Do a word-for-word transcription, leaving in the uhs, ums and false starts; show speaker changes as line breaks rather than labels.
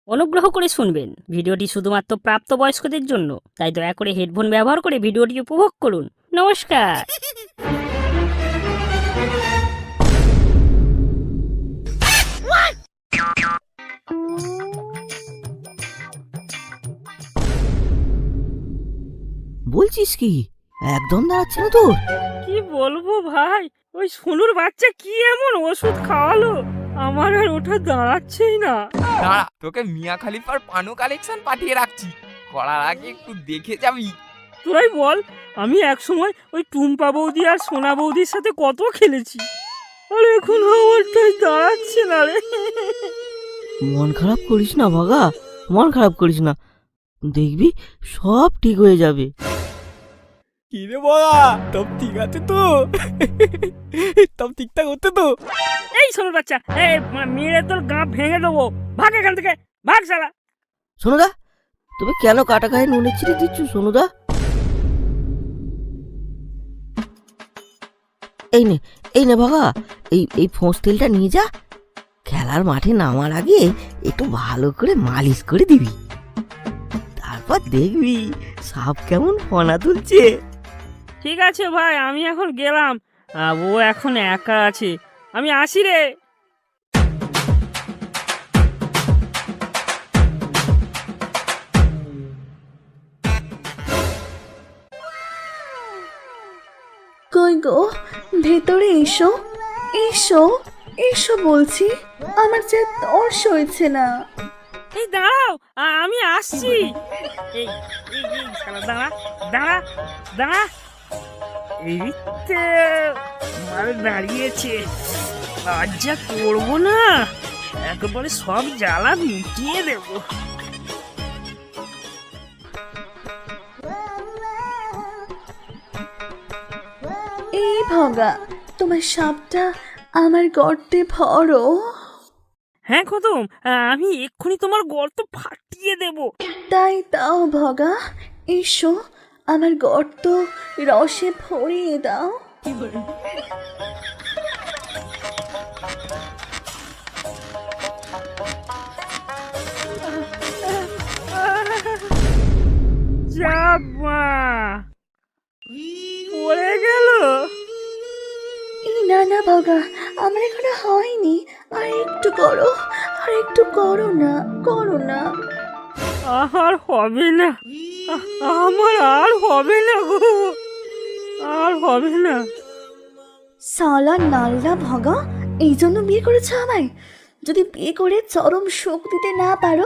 অনুগ্রহ করে শুনবেন, ভিডিওটি শুধুমাত্র প্রাপ্তবয়স্কদের জন্য, তাই দয়া করে হেডফোন ব্যবহার করে ভিডিওটি উপভোগ করুন। নমস্কার।
বলছিস কি, একদম দাঁড়াচ্ছে না তোর?
কি বলবো ভাই, ওই সোনুর বাচ্চা কি এমন ওষুধ খাওয়ালো, আমার আর ওটা দাঁড়াচ্ছেই না।
দাঁড়া, তোকে মিয়া খালিফার পানু কালেকশন পাঠিয়ে রাখছি, করার আগে একটু দেখে যাবি।
তোরাই বল, আমি এক সময় ওই টুম্পা বৌদি আর সোনা বৌদির সাথে কত খেলেছি, আর এখন আমারটাই দাঁড়াচ্ছে না রে।
মন খারাপ করিস না ভাগা, মন খারাপ করিস না, দেখবি সব ঠিক হয়ে যাবে।
কি রে বাবা, সব ঠিক আছে তো? সব ঠিকঠাক হচ্ছে তো?
এই সোনুর বাচ্চা, এই মেরে তোর গা ভেঙে দেবো, ভাগ এখান থেকে, ভাগ শালা।
সোনুদা, তুমি কেন কাটা গায়ে নুনের ছিটে দিচ্ছ সোনুদা? এই নে, এই নে ভাগা, এই এই ফোঁস তেলটা নিয়ে যা, খেলার মাঠে নামার আগে একটু ভালো করে মালিশ করে দিবি, তারপর দেখবি সাপ কেমন ফনা তুলছে।
ঠিক আছে ভাই, আমি এখন গেলাম, আহ, ও এখন একা আছে, আমি আসি রে।
কই গো, ভেতরে এসো, এসো, এসো বলছি, আমার যে তর সইছে না।
এই দাঁড়াও, আহ, আমি আসছি। এই এই এই শালা দাঁড়া, দাঁড়া, দাঁড়া। এই তো মাল দাঁড়িয়েছে, আজ যা করবো না, একেবারে সব জ্বালা মিটিয়ে দেবো।
এই ভগা, তোমার সাপটা আমার গর্তে ভরো।
হ্যাঁ খতম, আহ, আমি এক্ষুনি তোমার গর্ত ফাটিয়ে দেবো।
তাই দাও ভগা, এসো, আমার গর্ত রসে ভরিয়ে দাও।
যাবা পড়ে গেল।
এই না না ভগা, আমার এখনো হয়নি, আর একটু করো, আর একটু করো না, করো না।
আর হবে না, আ- আমার আর হবে না গো, আর হবে না।
সালা নাল্লা ভগা, এই জন্য বিয়ে করেছো আমায়? যদি বিয়ে করে চরম সুখ দিতে না পারো,